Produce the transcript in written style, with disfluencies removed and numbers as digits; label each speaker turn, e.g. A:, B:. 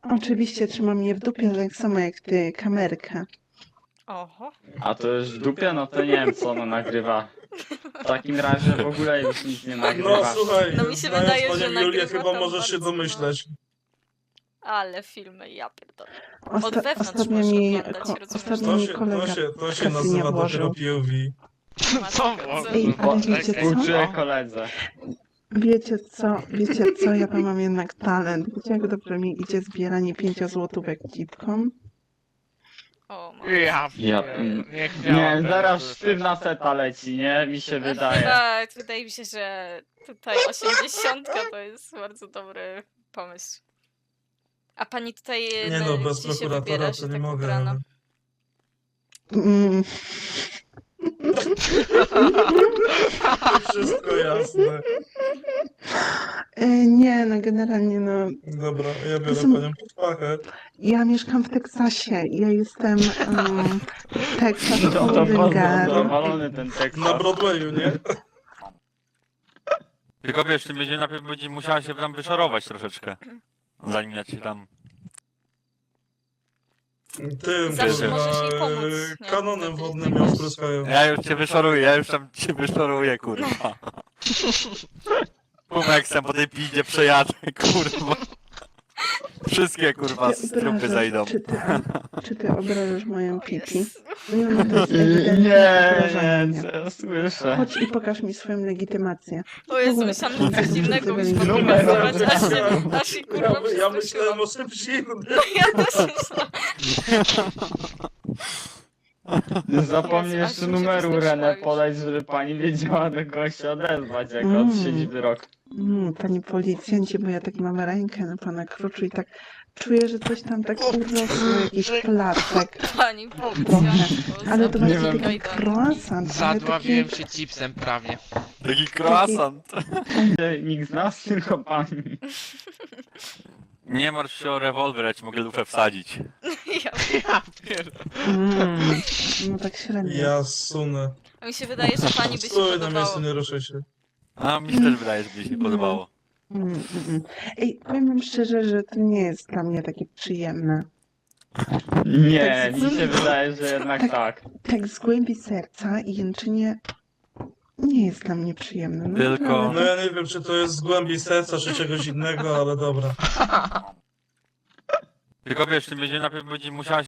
A: Oczywiście trzymam je w dupie, tak samo jak ty kamerkę.
B: Oho.
C: A to już w dupie? No to nie wiem co ona nagrywa. W takim razie w ogóle już nic nie nagrywa.
D: No słuchaj,
B: No mi się
D: znając
B: wydaje,
D: panią
B: że
D: Julię,
B: nagrywa
D: chyba
B: tam
D: możesz się
B: bardzo,
D: domyśleć.
B: Ale filmy, ja pierdolę.
A: Osta
B: wewnątrz
A: ostatnio
B: możesz
A: mi,
B: oglądać, rozumiesz?
A: ostatnio mi kolega
D: To
A: w
D: się
A: kasy
D: nazywa
A: nie
D: dopiero
A: włożył.
D: POV.
E: Co było?
A: Ej, ale wiecie co?
C: Współczuję koledze.
A: Wiecie co, ja to mam jednak talent. Wiecie jak dobrze mi idzie zbieranie 5 złotówek cipką?
B: O,
E: Ja
C: Ja-
E: nie
C: Nie, zaraz sztywna seta leci, nie? Mi się wydaje.
B: Tak, wydaje mi się, że tutaj 80 to jest bardzo dobry pomysł. A pani tutaj
D: Nie no, bez
B: gdzie się
D: prokuratora
B: wybiera,
D: to
B: się
D: nie
B: tak
D: mogę.
B: ubrana?
D: ale-
A: Mm,
D: Wszystko jasne.
A: nie, no generalnie no,
D: Dobra, ja biorę
A: Są-
D: panią pod pachę.
A: ja mieszkam w Teksasie. Ja jestem Texas
C: No to
A: Golden
C: bardzo
A: Girl.
C: zadowolony ten tekst.
D: Na Broadwayu, nie?
F: Tylko wiesz, ty będzie najpierw będzie musiała się tam wyszorować troszeczkę. Zanim ja ci tam...
D: Tym,
B: Zawsze
D: kurwa,
B: możesz jej pomóc, nie?
D: kanonem
B: Wtedy
D: wodnym
B: tak
D: ją
B: wiesz.
D: spryskają.
F: Ja już cię wyszoruję, ja już tam cię wyszoruję, kurwa. Pumeksem po tej piździe przejadę, kurwa. Wszystkie, kurwa,
A: Ty
F: trupy
A: obrażasz-
F: zajdą.
A: Czy ty obrażasz moją pipi?
B: Jezu.
A: Nie, no to jest
C: Nie,
A: ewidentne obrażanie
C: nie,
A: mnie.
C: co ja słyszę.
A: Chodź i pokaż mi swoją legitymację.
B: O Jezu,
A: ogóle
B: myślałam,
A: to
B: że coś
A: są
B: innego byś
A: ludzie
B: pokazywać,
D: byli-
B: aż się kurwa
D: Ja myślałem o
B: przestraszyłam.
D: czymś innym.
B: No ja też myślałam.
C: Zapomnij
B: Jezu, aż
C: jeszcze
B: mi się
C: numeru
B: wystraszyła
C: Renę
B: już.
C: podać, żeby pani wiedziała do kogo się odezwać, jak
A: Mm.
C: odsiedzi wyrok.
A: Panie policjancie, bo ja tak mam rękę na pana kroczu i tak czuję, że coś tam tak urosło, jakiś placek.
B: Pani policjantko,
A: Ale to
C: Nie
A: właśnie
C: wiem.
A: taki croissant, ale taki...
E: Zadławiłem się chipsem prawie.
F: Taki croissant.
C: Nikt z nas, tylko pani.
F: Nie martw się o rewolwer, ja ci mogę lufę wsadzić.
B: Ja,
E: Ja pierdolę.
A: No tak średnio.
D: Ja sunę.
B: a mi się wydaje, że pani by się
D: Stój na
B: podobało.
D: miejscu, nie ruszaj się.
F: A mi się też wydaje, że mi się podobało.
A: Ej, powiem wam szczerze, że to nie jest dla mnie takie przyjemne.
C: Nie, mi się wydaje, że jednak tak.
A: Tak z głębi serca i jęczenie nie jest dla mnie przyjemne. No,
F: Tylko-
D: No
A: naprawdę.
D: ja nie wiem, czy to jest z głębi serca, czy czegoś innego, ale dobra.
F: Tylko wiesz, ty będzie najpierw będzie musiała